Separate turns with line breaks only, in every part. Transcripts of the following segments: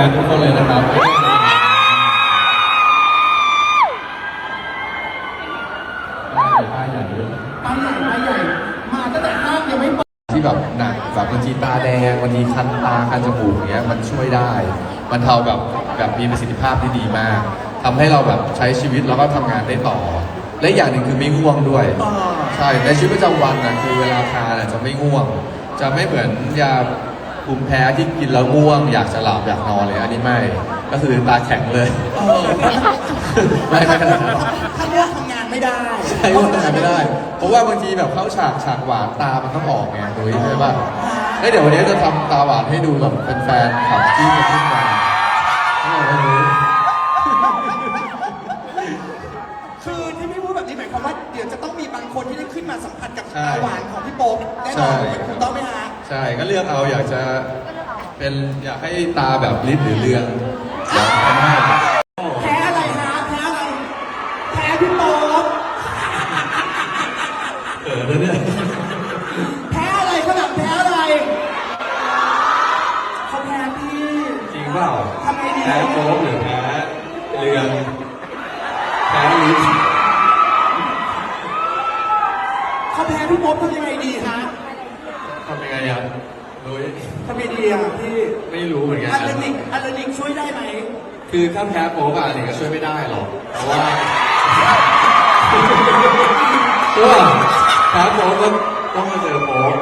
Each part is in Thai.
านทุกคนเลยนะครับป้ายใหญ่มาตั้งแต่ห้างยังไม่เปิดที่แบบหนักแบบบางทีตาแดงบางทีคันตาคันจมูกอย่างเงี้ยมันช่วยได้มันเทาแบบมีประสิทธิภาพที่ดีมากทำให้เราแบบใช้ชีวิตแล้วก็ทำงานได้ต่อและอย่างหนึ่งคือไม่ง่วงด้วยใช่ในชีวิตประจำวันนะคือเวลาทานจะไม่ง่วงจะไม่เหมือนยาภูมิแพ้ที่กินแล้วง่วงอยากจะหลับอยากนอนเลยอันนี้ไม่ก็คือตาแข็งเลยไม่ขนาดนั้น
ถ้าง่วงทำงานไม่ได้
ใช่ง่วงทำงานไม่ได้เพราะว่าบางทีแบบเข้าฉากหวานตามันต้องออกไงดูใช่ป่ะเดี๋ยววันนี้จะทำตาหวานให้ดูแบบเป็นแฟนขับที่จะขึ้นมา
คือที่พี่พูดแบบนี้หมายความว่าเดี๋ยวจะต้องมีบางคนที่ได้ขึ้นมาสัมผัสกับตาหวานของพี่โป๊ปแน่นอนถูกต้องไหมฮะ
ใช่ก็เลือกเอาอยากให้ตาแบบลิ์หรือเรืองอยากทำให้
แพ้อะไรฮะแพ้อะไรแพ้พี่โป๊ป
แล้วเนี่ย
แพ้อะไรขนาดแพ้อะไรเขาแพ้พี่
จริงเปล่า
ทำไงดี
แพ้โป๊ปหรือแพ้เรืองแพ้ลิ์
เขาแพ้พี่โป๊ปทำยังไงดีฮะ
ทำยังไงอ่ะ
ทำยังไงดีอ่ะพี่
ไม่รู้เหมือนกัน
อัลเลนิกช่วยได้ไหม
คือถ้าแพ้โป๊ปอะไรก็ช่วยไม่ได้หรอกเพราะว่าแพ้โป๊ปก็ต้องมาเจอโป๊ป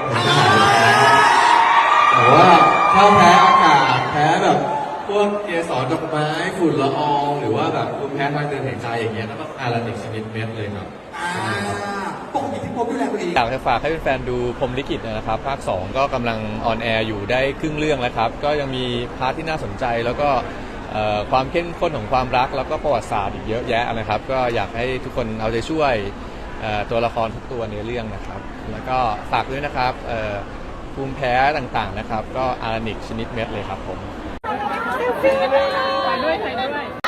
แต่ว่าถ้าแพ้อากาศแพ้แบบพวกเกสรดอกไม้ฝุ่นละอองหรือว่าแบบภูมิแพ้ทางเดินหายใจอย่างเงี้ยก็ต้องอารานิกชนิดเม็ดเลยครับ
ปกติพี่โป๊ปดูแลตัวเอง
อยากจะฝากให้แฟนๆดูพรหมลิขิตนะครับภาค 2 ก็กำลังออนแอร์อยู่ได้ครึ่งเรื่องแล้วครับก็ยังมีพาร์ทที่น่าสนใจแล้วก็ความเข้มข้นของความรักแล้วก็ประวัติศาสตร์อีกเยอะแยะนะครับก็อยากให้ทุกคนเอาใจช่วยตัวละครทุกตัวในเรื่องนะครับแล้วก็ฝากด้วยนะครับภูมิแพ้ต่างๆนะครับก็อารานิกชนิดเม็ดเลยครับผม
ถ่ายด้วย